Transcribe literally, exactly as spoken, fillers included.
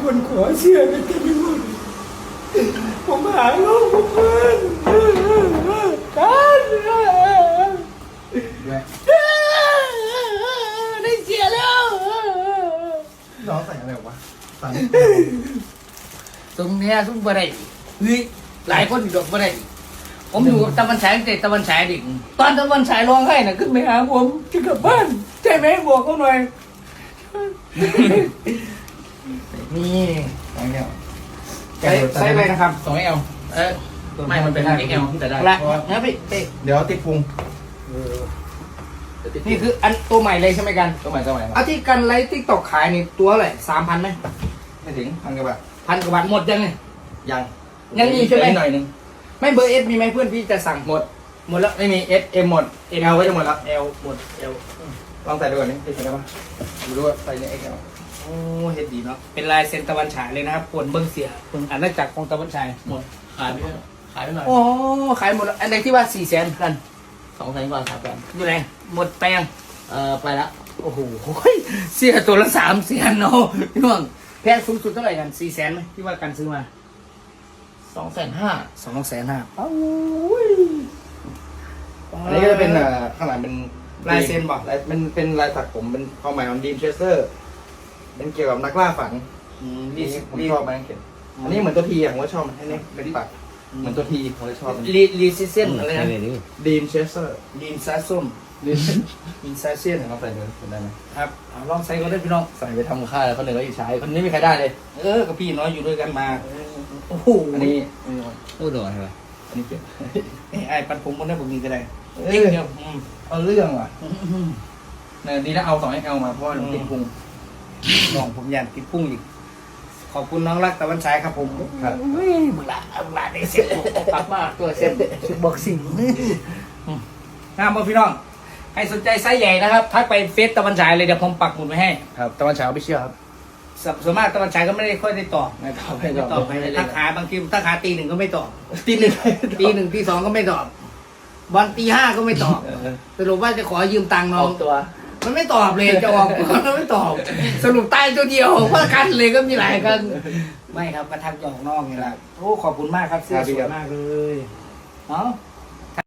คนขอเสื้อกันเต็มไปหมดผมหาลูกผมเพื่อนกันได้เสียแล้วน้องใส่อะไรวะใส่ตรงเนี้ยซุ้มบะไรเฮ้ยหลายคนอยู่ดอกบะไรผมอยู่กับตะวันฉายแต่ตะวันฉายเด็กตอนตะวันฉายร้องไห้น่ะขึ้นไปหาผมจะกลับบ้านใช่ไหมบอกเขาหน่อยนี่สองเอลใช้ใช้ไปนะครับสองเอลเออไม่มันเป็นเอ็กเอลแต่ได้ละนะพี่เดี๋ยวติดพุงนี่คืออันตัวใหม่เลยใช่ไหมกันตัวใหม่ตัวใหม่เอาที่กันไลฟ์ติ๊กตอกขายนี่ตัวอะไรสามพันไหมไม่ถึงพันกว่าบาทพันกว่าบาทหมดยังไงยังยังมีใช่ไหมหน่อยนึงไม่เบอร์เอสมีไหมเพื่อนพี่จะสั่งหมดหมดแล้วไม่มีเอสเอ็มหมดเอลก็จะหมดแล้วเอลหมดเอลลองใส่ดูก่อนนี่ใส่ได้ปะดูดูว่าใส่ในเอ็กเอลโอ้เฮ็ดดีเนาะเป็นลายเซ็นตะวันฉายเลยนะครับปวนเบิ้งเสียปวนอาณาจักรของตะวันฉายหมดขายไปขายไปหน่อยโอ้ขายหมดอันไหนที่ว่าสี่แสนกันสองแสนกว่าสามแสนอยู่ไหนหมดไปยังเออไปแล้วโอ้โหเสียตัวละสามแสนเนาะพี่น้องแพงสูงสุดเท่าไหร่กันสี่แสนไหมที่ว่ากันซื้อมาสองแสนห้าสองแสนห้าโอ้ยอันนี้ก็จะเป็นข้างหลังเป็นลายเซ็นบอกมันเป็นลายสักผมเป็นความหมายของดีมเชสเตอร์เป็นเกี่ยวกับนักล่าฝันนี่ผมชอบมันเขียนอันนี้เหมือนตัวทีอ่ะผมก็ชอบมันอันนี้เป็นปักเหมือนตัวทีผมเลยชอบลีลีซิเซนอะไรนะดีมเชสเตอร์ดีมซาส้มดีมซาเซียนลองใส่ดูได้ไหมครับลองใส่ก็ได้พี่น้องใส่ไปทำค่ายแล้วคนหนึ่งก็อยู่ใช้คนนี้ไม่ใครได้เลยเออกับพี่น้อยอยู่ด้วยกันมาโอ้โหอันนี้โอ้โดนอะไรอันนี้เปลี่ยนไอ้ปันผมคนนี้ผมมีก็ได้เดียวเอาเรื่องว่ะเนี่ยดีนะเอาสองเอ็กเอลมาเพราะว่าติดพุงน้องผมยันติดพุ่งอีกขอบคุณน้องรักตะวันฉายครับผมครับมึงละมึงละได้เซ็ตกลับมาตัวเซ็ตชุดบ็อกซิ่งงามบ่พี่น้องใครสนใจไซส์ใหญ่นะครับทักไปเฟซตะวันฉายเลยเดี๋ยวผมปักหมุดไว้ให้ครับตะวันฉายเอาไปเชื่อครับส่วนมากตะวันฉายก็ไม่ได้ค่อยได้ตอบไม่ตอบไม่ตอบไปทักหาบางทีทักหาตีหนึ่งก็ไม่ตอบตีหนึ่งตีหนึ่งตีสองก็ไม่ตอบบอลตีห้าก็ไม่ตอบสรุปว่าจะขอยืมตังค์น้องตัวมันไม่ตอบเลยจะออกมันไม่ตอบสรุปตายตัวเดียวเพราะกันเลยก็มีหลายกันไม่ครับกระทักหยอกน้องนี่แหละโอ้ขอบคุณมากครับเสื้อสวยมากเลยเนาะ